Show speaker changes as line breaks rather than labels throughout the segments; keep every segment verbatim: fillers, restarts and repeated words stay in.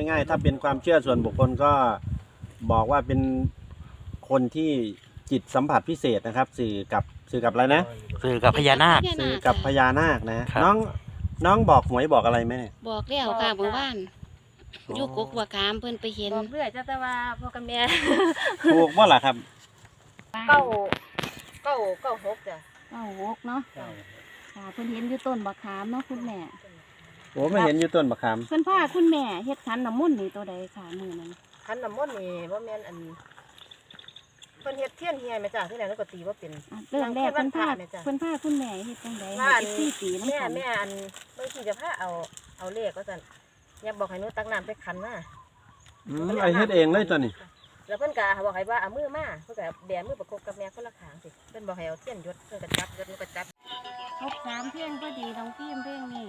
ง่ายๆถ้าเป็นความเชื่อส่วนบุคคลก็บอกว่าเป็นคนที่จิตสัมผัสพิเศษนะครับ สื่อกับสื่อกับอะไรนะ
สื่อกับพญานาค
สื่อกับพญานาคนะน้องน้องบอกหวยบอกอะไรไหม
บอกแล้วค่ะเมื่อวานอยู่กกบัวขามเพิ่นไปเห็น
บอกเรื่อยจ้าแต่ว่าพ่อกับแม่
ถูกว่าล่ะครับ
เก้าเก้าเก้าหกจ้ะ
เก้าหกเนาะค่ะเพิ่นเห็นอยู่ต้นบักขามเนาะคุณแม่
โอ้ไม่เห็นอยู่ต้นมะขาม
เพิ่นพาคุณแม่เฮ็ดขันน้ำมนต์นี่ตัวใดค่ะมื้อนั้น
ขันน้ำมนต์นี่ว่าแม่นอันเพิ่นเฮ็ดเทียนเฮียแม่จ้าที่ไหนแล้วก็ตีว่าเป็น
อ่ะเริ่มแรกเพิ่นพา
แม่จ้ะ
เพิ่นพาคุณแม่เฮ็ดจังได๋
ว่าอัน
เฮ็ดสี่ปีนำ
แม่
กัน
แม่อันบางทีจะพาเอาเอาเลขก็สั่นอย่าบอกให้หนูตักน้ำใส่ขันมา
อืมไอเฮ็ดเองเลยตัวนี้
แล้วเพิ่นก็บอกให้ว่าเอามือมาเพิ่นก็แบมือประกบกับแม่คนละข้างสิเพิ่นบอกให้เอาเทียนยศเพิ่นก็จับยศหนูก็จับ
ครบสามเพลงพอดีน้องพิมพ์เพลงนี้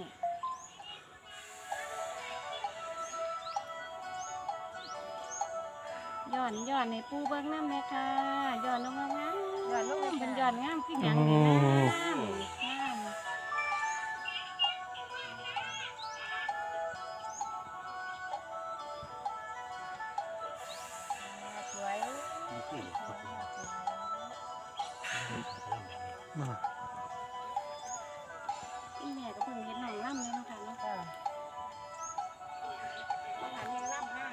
ย้อนย้อนในปูเบิ่งน้ำแม่ค่ะย้อนลงงามๆย้อนลงเป็นย้อนงามคือหยังนี่นะงามงาม
สวย
อีแม่ก็เพิ่งเห็นน้องล่ำเลยเนาะค่ะเนาะ
จ้ะ
ต้องหาแม่ล่ำห้าง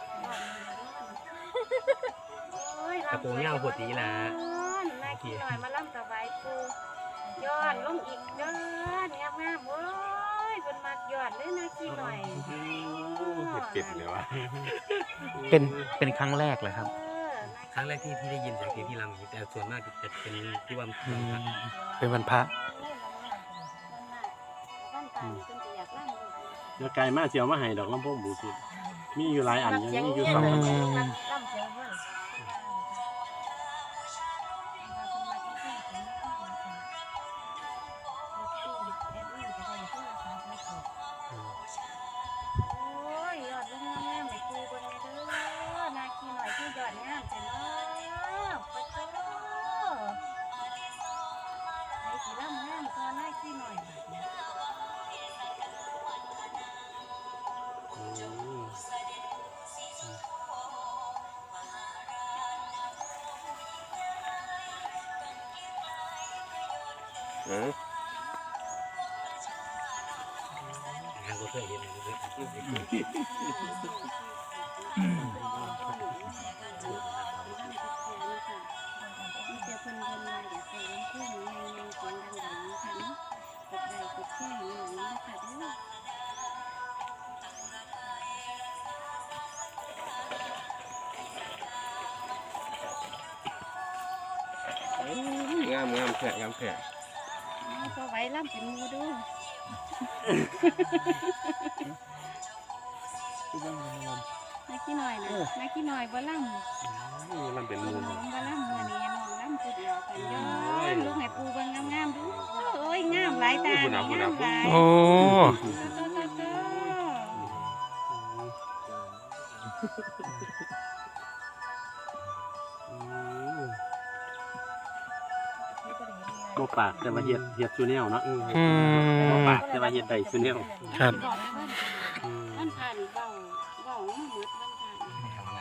โอ้ย
กระโปรงยาวปวดตีละ
นายขี้หน่อยมาล่ำสบายปูย้อนลงอีกย้อนงามงามๆโอ้ยเพิ่นมักย้อนเลยนายขี้หน่อย
เห็ดเป็ดเลยวะ
เป็นเป็นครั้งแรกเลยครับ
เออ
ครั้งแรกที่ที่ได้ยินเสียงเพลงที่รำแต่ส่วนมากจะเป็นที่ว่า
อืมเป็นวันพระ
เดี๋ยวไกลมากเสียวมาให้ดอกลำโพงบลูทูธมีอยู่หลายอัน
รัก
ยัง
เสียง
มีอยู่
เงี้ย
สอง
เลย
อัน
รักล่ำเสียงเงี้ย โอ้ยยอดลูกงามๆให้ปูเบิ่งแม่เด้อนาคีหน่อยคือยอดงามจังเนาะปะโตไอ้สิลำงามก็นาคีหน่อยบัดนี้
เออ
ทางก็เคยเห็นเลย
งามงามแขกงามแขก
พอไว้ล่ำเป็นมูดูนักขี้หน่อยนะนักขี้หน่อยบ่ล่ำ
มันเป็นมู
น้องบ่ล่ำมื้อนี้น้องล่ำผู้เดียวกันย้อนลูกให้ปูเบิ่งงามๆดูโอ้ยงามหลายตานี่งามหลาย
โอ้
บ่ปากแต่ว่าเฮ็ดเฮ็ดซูเนลเนาะ
อืม
บ่ปากแต่ว่าเฮ็ดได้ซูเนล
ครับ
มันผ่านเบาเบามาหมดมันผ่าน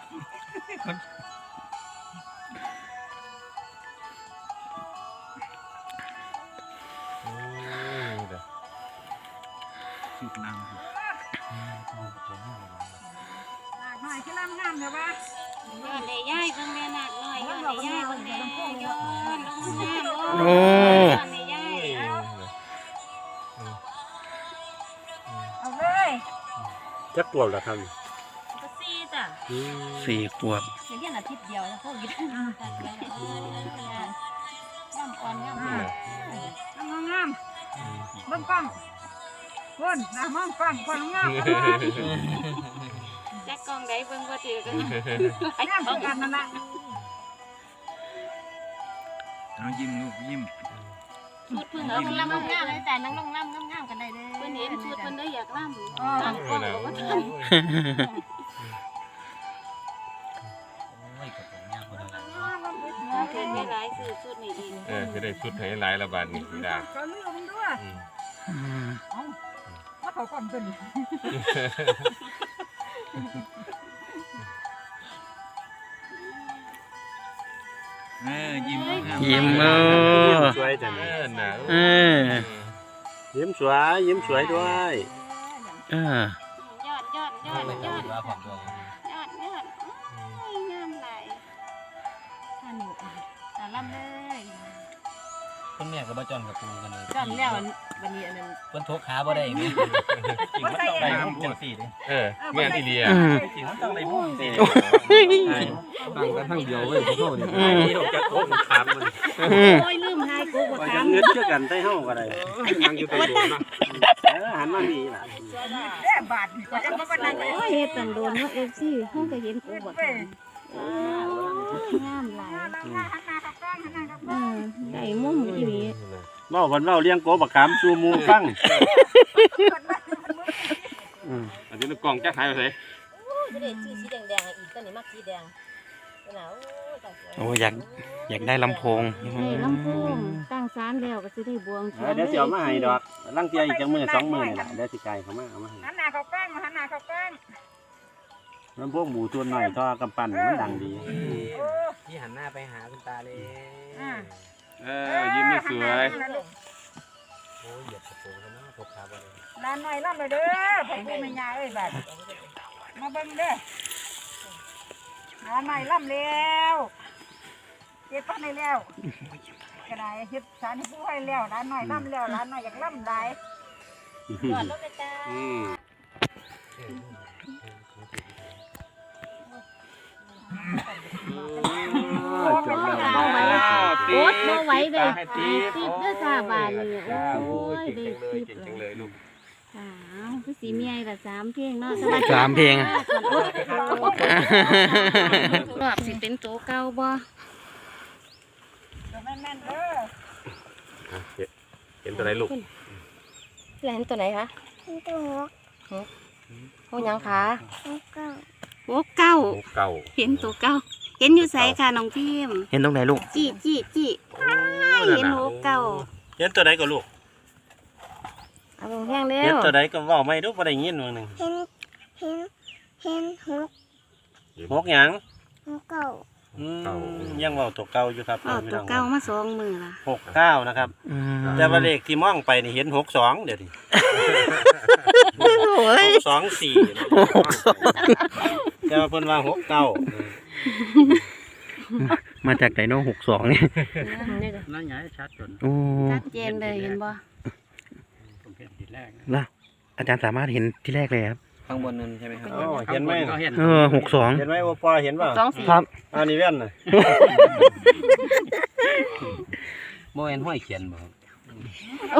หน่อยคือลำงามเด้อว่า
ย้อนได้ย่ายเบิ่งแม่นาคน้อยย้อนได้ย่ายเบิ่งแม่ย้อนลงงาม
โอ้
ย้อนได้ย่ายเอา
เอาเลย
จักปวดล่ะครับ
ก็ซี่จ้ะ
สี่ขวบ
เดี๋ยวเรียนอาทิตย์เดียวแล้วพวกนี้งามอ่อนงาม
งามงามเบิ่งกล้องคนนะมองกล้องคนงาม
แจ็คกองได้เบิ่งบ่ถือกัน
งามกันนั่นละ
เอายิ้มลูกยิ้ม
ชุดเพิ่นเอาเพิ่นลำงามเลยแต่นั่งลงลำงามๆกันได้เด้อเพิ่นเห็นชุดเพิ่นได้อยากลำตั้งกล้องก็บ่ทัน เกิดไม่ร้ายสื่อชุดนี้อีก
เออจะได้สุดให้หลายระบาดนี่ได้
เขาลืมด้วย
อืม
มาเขาก่อนตัวนี้
เออยิ้ม
ยิ้มเออสวยจัง
เออหนาว
เออยิ้มสวยยิ้มสวยด้วยเออย
อดยอดยอด
ไม่
ย
ต้อ
อง ด
ดูว่าผมตัว
ยอดยอดโอ้ยงามหลายท่านหนูตาล่ำเลย
คุณแม่กับบ้าจอนกับปูกันเลย
จอนแล้ววันนี้อันนั้น
เพิ่นทกขาบ่ได้ไหมจริงมันต้องได้มุมจังสี่ดิ
เออแม่ที่เดีย
จริงมันต้องได้มุมสี่
ตั้งกันทั้งเดียวเว้ยพวกเขาเนี่ย
ที่ออกจากโค้งขามมัน
โอ้ยลืมให้กูบ่
ว่า
ถา
จะ
ม
เงินเชื่อกันใต้ห้องก็ได้
นั่งอยู่ตรงนู้นนะ
เออหันมาดีล่ะ
โอ้ยเฮ็ดตันโดนเนาะ เอฟ ซี เฮาก็เห็นกูบ่ถามโอ้ยงามหลายเออได้มุมอีหลี
เว้าวันเว้าเลี้ยงโกบักขามสู่หมู่ฟังอืม
อันนี้กล่องจะหายไปไหน
จะได้ชื่อสีแดงๆอีกตัวนี้มักสีแดงตัวหนาวโอ้ย
โอ้อยากอยากได้ลำโพง
ได้ลำโพงตั้งศาลแล้วก็สิได้บวงสร
เอ
ว
อง เดี๋ยวสิเอามาให้ดอกลังเทียอีกจังมื้อสองมื้อนี่ล่ะเดี๋ยวสิไกลเข้ามาเอามาให้
หันหน้าเข้ากล้องหันหน้าเข้ากล้อง
ลำโพงหมูตัวหน่อยท่อกำปั้นมันดังดี
ที่หันหน้าไปหาคุณตาเลย
เออยิ้มไม่สวย
โอ้ยเหยียบกระโปรงแล้วนะทกขาบ่ได้
ร้านหน่อยร่ำเลยเด้อไผผู้แม่ยาเอ้ยบัดมาเบิ่งเด้อร้านหน่อยร่ำแล้วเฮ็ดปันได้แล้วก็ได้เฮ็ดสารให้ผู้ให้แล้วร้านหน่อยร่ำแล้วร้านหน่อยอยากร่ำได้
ยอดรถเลยจ้า
อืม
จบแล้ว
เอาไว้โอ๊ตบ่ไหวเด้สิบเด้อจ้าบาดนี้โอ้ยได้สิบ
เก่งจังเลยลูก
สาวคือสีเมียละสามเพลงเนาะ
สามเพลง
รอบสิเป็นโตเก่าบ่
แม่นๆเด้อ
เห็นตัวไหนลูก
แลนตัวไหนคะตัวหกหกยังคะ
โอ้เก้า
เก่า
เห็นโตเก่าเห็นอยู่ไสค่ะน้องพิมพ์
เห็นตรงไหนลูก
จี้จี้จี้เห็นโหเก่า
เห็นตัวใดก็ลูก
เอาลงแห้งเร็
เห็น
ว
ตัวใดก็เว้าไม่รู้บ่ได้ยินว่าหนึง
เห็นเห็นเห็นหก
หกหยัง
หกเก้า
อืมยังเว้าตัวเก่าอยู่ครับ
เอาโตเก่ามาสองมือละ
หกเก้านะครับ
อืม
แต่ว่าเลขที่มองไปนี่เห็นหกสองเดี๋ยวนี้
โอ้ย
หกสองสี่แต่ว่าเพิ่นว่าหกเก้า
มาจากไดโน่หกสองเนี่ย
นั่นไงชัดจน
โอ้
ชัดเจนเลยเห็นบ่
ผมเห็นทีแรก
ล่ะอาจารย์สามารถเห็นที่แรกเลยครับ
ข้างบนนั้นใช่ไหมครับ
อ๋อเห็นไหม
เออหกสอง
เห็นไหมโอปอเห็นป่ะ
สองสี่
ครับ
อันนี้แว่นน่ะ
โมเห็นห้อยเขียนบ่ครับ